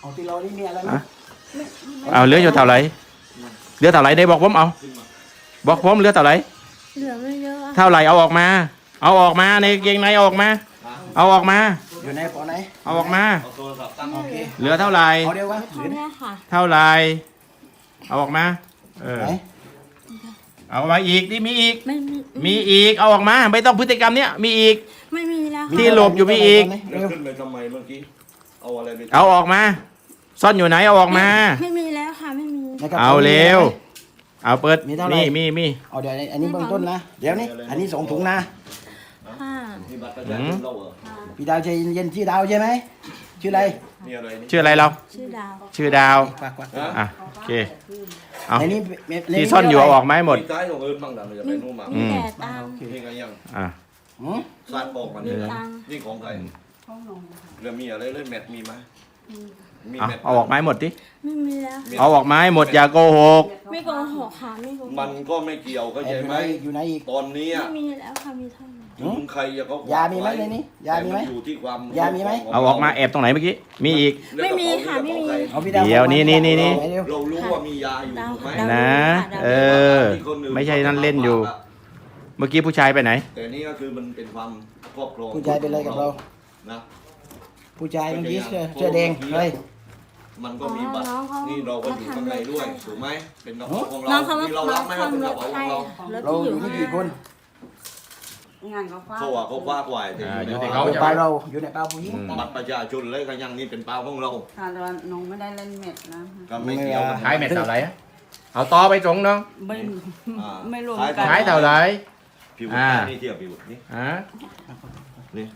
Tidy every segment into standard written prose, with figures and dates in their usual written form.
ของที่เรานี่มีอะไรไหมเอาเหลืออยู่เท่าไหร่เหลือเท่าไหร่ได้บอกผมเอาบอกผมเหลือเท่าไหร่เหลือไม่เยอะอะเท่าไหร่เอาออกมาเอาออกมาในกางเกงในเอาออกมาเอาออกมาอยู่ในปอไหนเอาออกมาเอาโทรศัพท์ตั้งโอเคเหลือเท่าไหร่เอาเดียวกันเท่านี้ค่ะเท่าไหร่เอาออกมาเออไหนเอามาอีกที่มีอีกไม่มีมีอีกเอาออกมาไม่ต้องพฤติกรรมเนี้ยมีอีกไม่มีแล้วที่ค่ะหลบอยู่มีอีกแล้วขึ้นไปทำไมเมื่อกี้เอาอะไรไปเอาออกมา ซ่อนอยู่ไหนเอาออกมาไม่มีแล้วค่ะไม่มีในกระป๋เอาเร็ว เอาเปิดมีเท่าไหร่มีเอาเดี๋ยวอันนี้เบื้องต้นนะเดี๋ยวนี้อันนี้2 ถุงนะค่ะที่บัตรประชาชนเราเหรอพี่ดาวใจเย็นๆชื่อดาวใช่ไหมชื่ออะไรนี่อะไรนี่ชื่ออะไรเราชื่อดาวชื่อดาวควักอ่ะโอเคเอาในนี้ที่ซ่อนอยู่เอาออกมาให้หมดมีท้ายของเอิญบ้างดังเลยจะไปนู่นมามีแต่ตังค์นี่ไงยังอ่ะหืมซาดบอกมันนี่ตังค์นี่ของใครแล้วมีอะไรเล่นแมทมีไหมมีเอาแมทเอาออกมาให้หมดดิไม่มีแล้วเอาออกมาให้หมดอย่าโกหกไม่โกหกค่ะไม่โกหกมันก็ไม่เกี่ยวก็แอบใช่อยู่ไหไหมนอีกอยู่ไหนอีกตอนนี้ไม่มีแล้วค่ะมีเท่านี้ถึงใครจะเขายามีไหมในนี้ยามีไหมแต่นอยู่ที่ความยามีไหมเอาออกมาแอบตรงไหนเมื่อกี้มีอีกไม่มีค่ะไม่มีเอาพี่ดาวเดี๋ยวนี่ไหเร็วเรารู้ว่ามียาอยู่ถูกไหมดาวนะ เออ ไม่ใช่นั่นเล่นอยู่ เมื่อกี้ผู้ชายไปไหนแต่นี่ก็คือมันเป็นความครอบครองผู้ชายเป็นอะไรกับเรานะผู้ชายเมื่อกี้เสื้อแดงเฮ้ยมันก็มีบัตรนี่เราก็อยู่ข้างในด้วยถูกไหมเป็นกระเป๋าของน้อเรางเขามาที่เรารับไหมว่าเป็นกระเป๋าของเรารถเราที่ออยู่ยู่นี่กี่คนงานเขาฟ้าเขาว่าเขาคว้าควายแต่อยู่ที่เอาเขาในเปล่าเราอยู่ในเปล่าผู้หญิงบัตรประชาชนเลยก็ยังนี่เป็นเปล่าของเราค่ะแต่ว่าน้องไม่ได้เล่นเม็ดนะก็ไม่เกี่ยวกันขายเม็ดเท่าไหร่เอาต่อไปตรงน้องไม่อ่าไม่รวมกันขายเท่าไหร่ผิวอ่านี่เทียบผิวนี่อ่ะนี่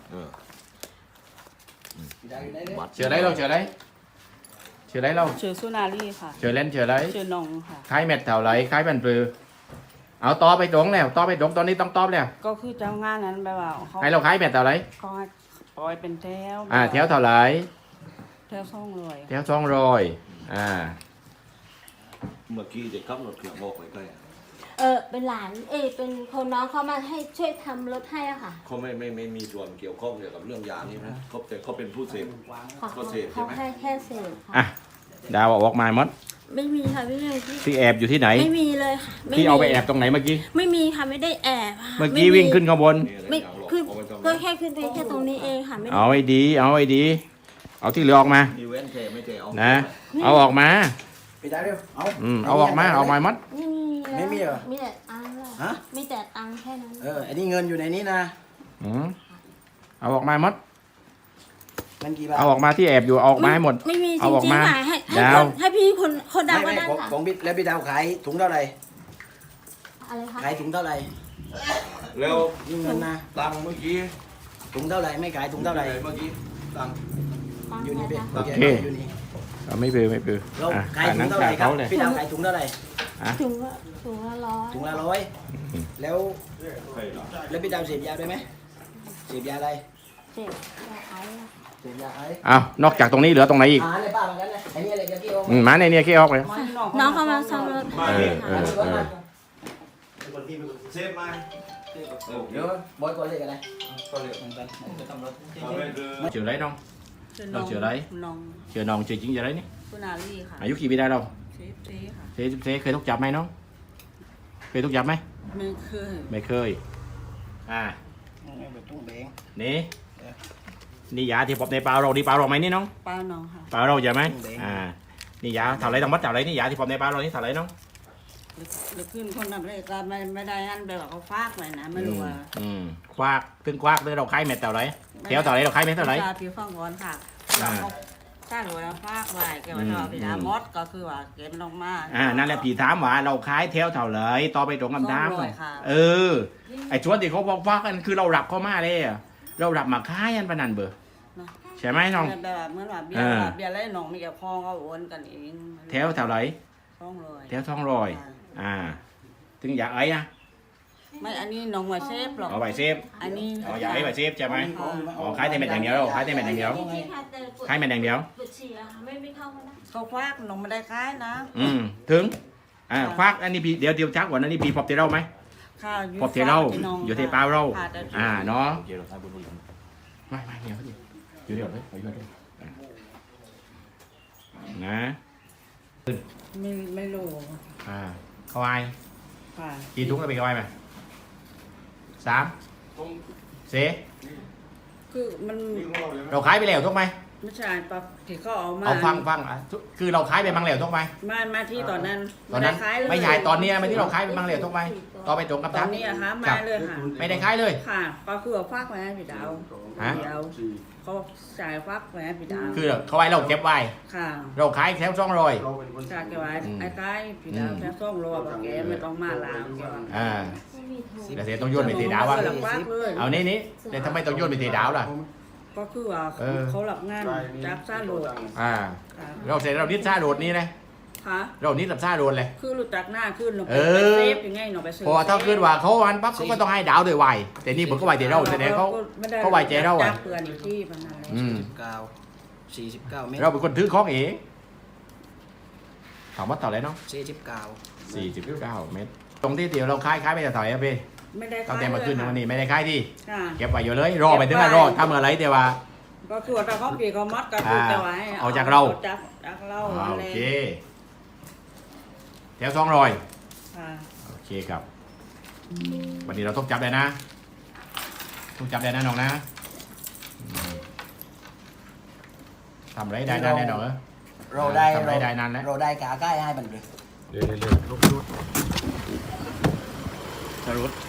บัตรเชื่ออะไรเราเชื่ออะไรเชื่ออะไรเราชื่อสุนารีค่ะเชื่อเล่นเชื่ออะไรชื่อน้องค่ะขายเม็ดเท่าไหร่ขายเป็นปลือเอาต่อไปตรงแล้วต่อไปตรงตอนนี้ต้องตอบแล้วก็คือเจ้างานนั้นแบบว่าเขาให้เราขายเม็ดเท่าไหร่ก็ให้ปล่อยเป็นแถวแถวเท่าไหร่แถวซ่องเลยแถว200 เมื่อกี้จะขับรถเครื่องบอกไปใกล้เป็นหลานเป็นคนน้องเขามาให้ช่วยทำรถให้อะค่ะเขาไม่มีส่วนเกี่ยวข้องเกี่ยวกับเรื่องยานี่นะเขาแต่เขาเป็นผู้เสพค่ะเขาเสพใช่เขาไหมแค่เสพค่ะอ่ะดาวเอาออกมาหมดไม่มีค่ะไม่มีที่แอบอยู่ที่ไหนไม่มีเลยค่ะม่ที่มีเอาไปแอบตรงไหนเมื่อกี้ไม่มีค่ะไม่ได้แอบค่ะเมื่อกี้วิ่งขึ้นข้างบนนี่อะไรไม่อย่างหลอกขึ้นเอาไปทำก็ไมแค่ขึ้นไปแค่ตรงนี้เองค่ะไม่ได้เอาไอ้ดีเอาไอ้ดีเอาที่เหลือออกมามีเว้นเทไม่เทเอานะเอาออกมาพี่ดาวเร็วเอาเอาออกมาเอามาหมดไม่มีแล้วไม่มีเหรอมีแต่ตังค์เลยฮะมีแต่ตังค์แค่นั้นอันนี้เงินอยู่ในนี้นะอืมเอาออกมาหมดเงินกี่บาทเอาออกมาที่แอบอยู่เอาออกมาให้หมดไม่มีจเอาออกริงมาๆค่ะให้ดาวให้พี่คนดาวก็ไม่ได้ของค่ะของพี่แล้วพี่ดาวขายถุงเท่าไหร่อะไรคะขายถุงเท่าไหร่แล้วนี่เงินนะตังค์เมื่อกี้ถุงเท่าไหร่ไม่ขายถุงเท่าไหร่เมื่อกี้ตังค์ตังค์อยู่นี่เป็นนะคะโอเคอยู่นี่เอาไม่ปือไม่ปือเราอ่ะขายถุนั่งงเท่าไหร่ครับเขาเลยพี่ดาวขายถุงเท่าไหร่ถุงละ100 ถุงละ100แล้วแล้วพี่ดาวเสพยาด้วยไหมเสพยาอะไรเจ็บขายอะเสพยาไอ้เอานอกจากตรงนี้เหลือตรงไหนอีกอะไรป้าเหมือนกันเลยไอ้นี่อะไรจะกี้โอ้มาในเนี่ยขี้ออกเลยน้องเขามาซ่อมรถให้เออค่ะเซฟมาเดี๋ยวบอยก่อนเลยกันเลยก็เรียกเหมือนกันจะทำรถเอาไปคือเชื่ออะไรน้อง เราชื่ออะไรน้องเชื่อน้องเชื่อจริงเชื่ออะไรนี่สุนารีค่ะอายุกี่ปีได้เราเจ๊ค่ะเคยถูกจับไหมน้องเคยถูกจับไหมไม่เคยไม่เคยอ่าแบบตุ้งแบงนี่นี่ยาที่พบในปลาเราดีปลาเราไหมนี่น้องป้าน้องค่ะปลาเราใช่ไหมนี่ยาเท่าไรต้องมัดเท่าไรนี่ยาที่พบในปลาเรานี่เท่าไรน้องหรือขึ้นคนทำเลยก็ไม่ได้อันแบบว่าเขาฟากไว้นะไม่รู้ว่าควักถึงควักเลยเราขายเม็ดเท่าไรแถวเท่าไรเราขายเม็ดเท่าไรจาพี่ฟังก่อนค่ะเขาถ้าหนูว่าฟากไว้แกว่าเราพี่ดามดก็คือว่าเก็บลงมานั่นแหละพี่ถามว่าเราขายแถวเท่าไรต่อไปตรงคำถาม 200ค่ะไอ้ชวนที่เขาบอกว่ากันคือเรารับเข้ามาเลยเรารับมาขายยันปนันเบอร์ใช่ไหมน้องแบบเหมื่อนว่าเบียร์ไรน้องมีกับพ่อเขาโอนกันเองแถวเท่าไร 200 แถว200ถึงอยากไอ้นะไม่อันนี้น้องมาเซฟหรอกเอาไว้เซฟอันนี้อยากให้ไว้เซฟใช่ไหมขายแต่เม็ดอย่างเดียวเราขายแต่เม็ดอย่างเดียวจริงๆค่ะแต่ปวดขายเม็ดอย่างเดียวปวดฉี่อะค่ะไม่เข้าก็ได้เขาควักน้องไม่ได้ขายนะถึงควักอันนี้พี่เดี๋ยวชักก่อนอันนี้พี่พบเทเราไหมข้าวพบเทเราอยู่เทปลาเราเนาะเกี่ยวกับทางบุญบุญไม่เดี๋ยวอยู่เดี๋ยวเลยอยู่เดี๋ยวนะไม่รู้เขาไอ้ค่ะกี่ถุงเราไปเขาไอ้ไหม3เสคือมันเราขายไปแล้วถูกไหมไม่ใช่ปะที่เขาเอามาเอาฟังคือเราขายไปบางแล้วถูกไหมมาที่ตอนนั้นตอนนั้นด้ขายเลยไม่ใช่ตอนเนี้ยไม่ที่เราขายไปบางแล้วถูกไหมต่อไปตรงกับตอทันกนี้อะคะครัมาบเลยค่ะไม่ได้ขายเลยค่ะก็คือเอาฟักไว้ให้พี่ดาวฮะเดี๋ยวเขาจ่ายฟักไว้ให้พี่ดาวคือเขาไว้เราเก็บไว้ค่ะเราขายแถว200 จากแกไว้ไอ้ใกล้พี่ดาวแค่ส่งโลบอกแกไม่ต้องมาลาวแกว่าไม่มีโทรแต่เสียต้องโยนไปตีดาวอ่ะเขหลับฟักเลยเอานี่แต่ทำไมต้องโยนไปตีดาวล่ะก็คือว่าเออเขาหลับงานจากซ่าโหลดอ่าค่ะเราเสร็จเรานิดซ่าโดดนี่นะค่ะเรานิดกับซ่าโดดเลยคือรู้จักหน้าขึ้นหนูไปเออเซฟยังไงหนูไปซื้อพอถ้าขึ้นว่าเขาวันปั๊บเขาก็ต้องให้ดาวด้วยไวแต่นี่ผมก็ไวเดี๋ยวเราแสดงเขาไวใจเราจัอ่ะบเปลือนอยู่ที่พนันเลยอืม 49 เมตรเราเป็นคนถือของเองถามว่าต่ออะไรเนาะ 49 49 เมตร ตรงที่เดี๋ยวเราขายไปแต่ต่อยอะพี่ไม่ได้ตั้งแต่มาขึ้นนะวันนี้ไม่ได้ขายที่ค่ะเก็บไว้อยู่เลยรอไปถึงรอทำอะไรแต่ว่าก็คือว่าถ้าเขาปีเขามัดก็คือจะไว้เอาจากเราจากเราโอเลยเคแถว200 ค่ะโอเคครับ วันนี้เราต้องจับได้นะต้องจับได้นะน้องนะทำไรได้นานแน่นอนเหรอเราได้ทำไรได้นานแล้วเราได้กาใกล้ให้มันเลยเร็วลุกสรุป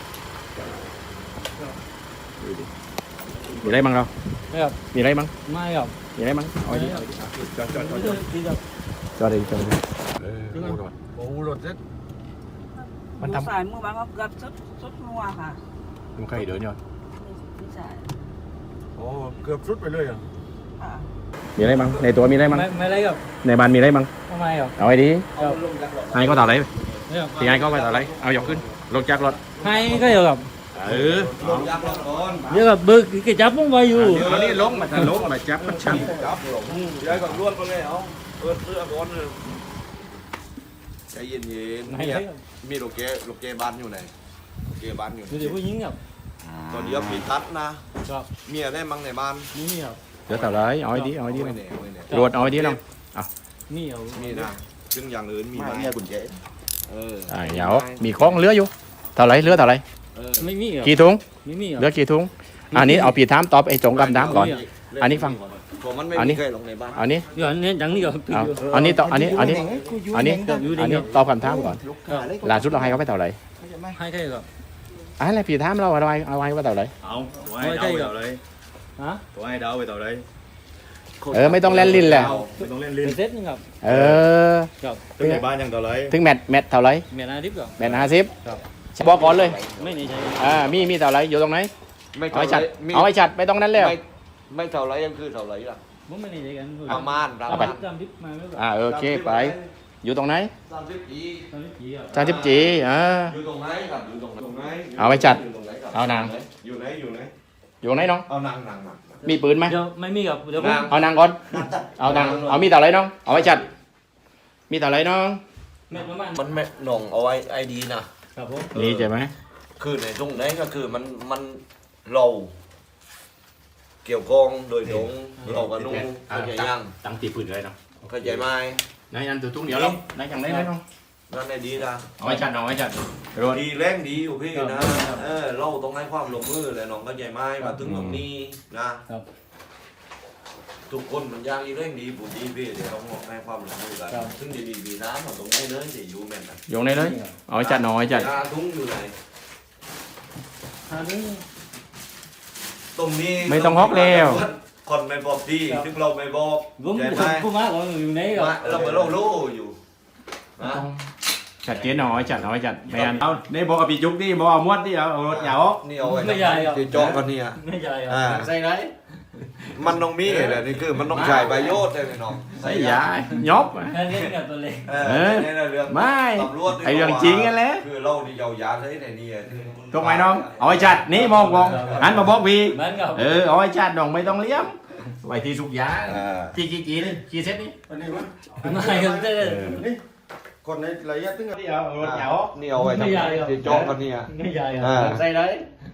มีอะไรบ้างเราครับมีอะไรบ้างไม่ครับมีอะไรบ้างเอาดิจอดที่จะจอดดิโอ้รถเซ็ตมันทำสายมือบางก็เกือบสุดนัวค่ะมันเคยเดินอยู่ไม่ใช่โอ้เกือบสุดไปเลยอ่ะค่ะมีอะไรบ้างในตัวมีอะไรบ้างไม่ไรครับในบ้านมีอะไรบ้างทำไมครับเอาไอ้ดิครับไอ้ก็ต่ออะไรไม่ครับที่ไอ้ก็ไปต่ออะไรเอายกขึ้นลงจากรถให้ก็เดี๋ยวครับลงยักษ์ก่อนเดี๋ยวกับบึกกระจับผมไว้อยู่อันนี้ลงมาจับมันชันจับลงย้ายก่อนล้วนไปเลยเอาเปิดเสื้อก่อนเลยใจเย็นไม่ๆไรเนี่ยครับมีโลเกบ้านอยู่ไหนโลเกบ้านอยู่เดี๋ยวผู้หญิงครับตอนเดียวปีตัดนะครับ เมียได้มั้งในบ้านนี่ครับเดี๋ยวต่อเลยเอาไอ้ดิไม่ลงแน่ไม่แน่รวดเอาไอ้ดิลงนี่เอามีนะซึ่งอย่างอื่นมีไหมกุญแจเออเดี๋ยวมีของเหลืออยู่เท่าไรเหลือเท่าไรไม่มีครับกี่ถุงไม่มีครับเหลือกี่ถุงอันนี้เอาปีถามตอบไอ้จงกับน้ำก่อน อันนี้ฟังผมมันไม่อันนี้มีเคยลงในบ้านอันนี้เดี๋ยวนี้จังนี่ครับเอาอันนี้ต่ออันนี้ตอบคำถามก่อนครับล่าสุดเราให้เขาไปเท่าไหร่ให้ใครครับอะไรปีถามเราอะไรเอาไว้ว่าเท่าไหร่เอาตัวให้เดาไปต่อเลยฮะตัวให้เดาไปต่อเลยไม่ต้องเล่นลิ้นแหละไม่ต้องเล่นลิ้นเป็นเซ็ตนึงครับ ครับตึ้งในบ้านยังต่อเลยถึงแมทเท่าไหร่เมียนาดิบครับแมท50 ครับบอกก่อนเลยไม่ในใจมีเท่าไหร่อยู่ตรงไหนไม่เอาเท่าไอ้ไรชัดเอาไอ้ชัดไปตรงนั้นแล้วไม่เท่าไรยังคือเท่าไรล่ะผมไม่ในใจกันประมาณเอาไปจำดิบมาไม่ครับโอเคไปอยู่ตรงไหน 30 ปีตอนนี้ผีครับ 30 จีอยู่ตรงไหนครับอยู่ตรงไหนเอาไว้จัดยู่ตรงไหนครับเอานางอยู่ไหนอยู่ตรงไหนน้องเอานางมีปืนไหมเดี๋ยวไม่มีครับเดี๋ยวผมเอานางก่อนเอานางเอามีเท่าไหร่น้องเอาไว้ชัดมีเท่าไหร่น้องเม็ดประมาณมันไม่หน่องเอาไว้ไอดีนะครับผมนี่ใช่ไหมคือในตรงไหนก็คือมันเราเกี่ยวกองโดยตรงเรากับนุ่งเข้าใจยังตั้งตีปืนเลยเนาะเข้าใจไหมนายอันตัวตุ้งเดียวลงนายอย่างไรน้องนั่นไอดีนะเอาไว้ชัดเอาไว้ชัดรถดีแรงดีอยู่พี่นะเราต้องให้ความลงมือเลยน้องเข้าใจไหมมาถึงตรงนี้นะครับ ทุกคนมันยากอีเร่งดีบุญดีพี่เดี๋ยวเราให้ความลงมือกันซึ่งดีๆนะมันตรงไหนเลยจะอยู่แม่นนะโยงได้เลยเอาไว้ชัดเอาไว้ชัดยาทุ่งอยู่ไหนอันนี้ตรงนี้ไม่ต้องฮอกแล้วคนไม่บอกดีซึ่งเราไม่บอกผมใช่ไหมผมมาก่อนอยู่ไหนครับเราเหมือนเรารู้อยู่นะชัดเจนเอาไว้ชัดเอาไว้ชัดไม่อันเอาเนี่ยบอกกับพี่จุกนี่บอกเอาม้วนที่เอารถยาวนี่เอาไว้ที่โจ๊กกันเนี่ยไม่ใช่ครับใส่ไรมันต้องมีแหละนี่คือมันต้องใช้ประโยชน์ได้ไหมน้องใส่ยายบแค่นี้กับตัวเล็กนี่เรื่องไม่ตำรวจไอเรื่องจริงกันแหละคือเราที่ยาวยาเลยในนี่ถูกไหมน้องเอาไว้ชัดนี่มองหันมาบอกพี่เหมือนกับเอาไว้ชัดน้องไม่ต้องเลี้ยมไว้ที่สุกยากี่นี่กี่เซตนี่ไม่ครับเต้คนในระยะตึ้งที่เอารถยาวนี่เอาไว้ที่โจ๊กกันเนี่ยไม่ใช่ครับใส่ไร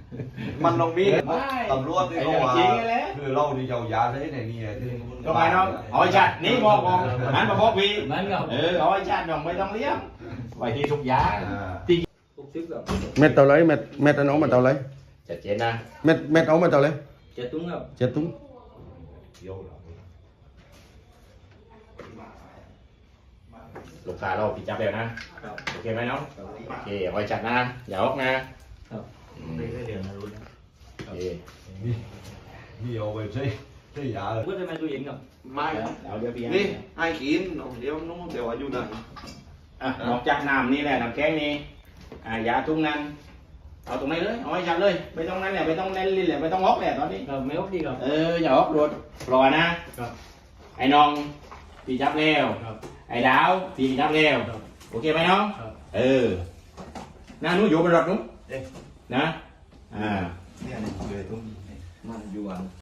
มันต้องมีไม่ตำรวจที่เขาว่าไอ้เรื่องจริงไงแหละคือเรานี่ยาวๆใช้ในนี่ที่ก็ไปน้องเอาไอ้ชัดนี่บอกหันมาบอกพี่มันก็เอาไอ้ชัดน้องไม่ต้องเลี้ยงไว้ที่ทุกอย่างที่เม็ดเท่าไรเม็ดอันเอามาเท่าไรชัดเจนนะเม็ดเอามาเท่าไรจะตุ้งครับ 7 ถุงลูกค้าเราปิดจับแล้วนะโอเคไหมน้องโอเคเอาไว้ชัดนะอย่าออกนะโอเคนี่เอาไปใช้ยาเลยก็จะมาดูเย็นครับไม่เอาเดี๋ยวพี่นี่ให้กินเดี๋ยวน้องเดี๋ยวอายุนั่นนอกจากน้ำนี่แหละน้ำแข็งนี่ยาทุ่งนั้นเอาตรงไหนเลยเอาไว้ชัดเลยไม่ต้องนั้นแหละไม่ต้องเล่นลิ้นแหละไม่ต้องออกแหละตอนนี้ครับไม่โอเคครับอย่าออกรถรอนะครับ ไอ้น้องพี่จับแล้วครับไอ้ดาวพี่จับแล้วครับโอเคไหมน้องครับน้าหนูอยู่บนรถหนูนะมันอยู่อัน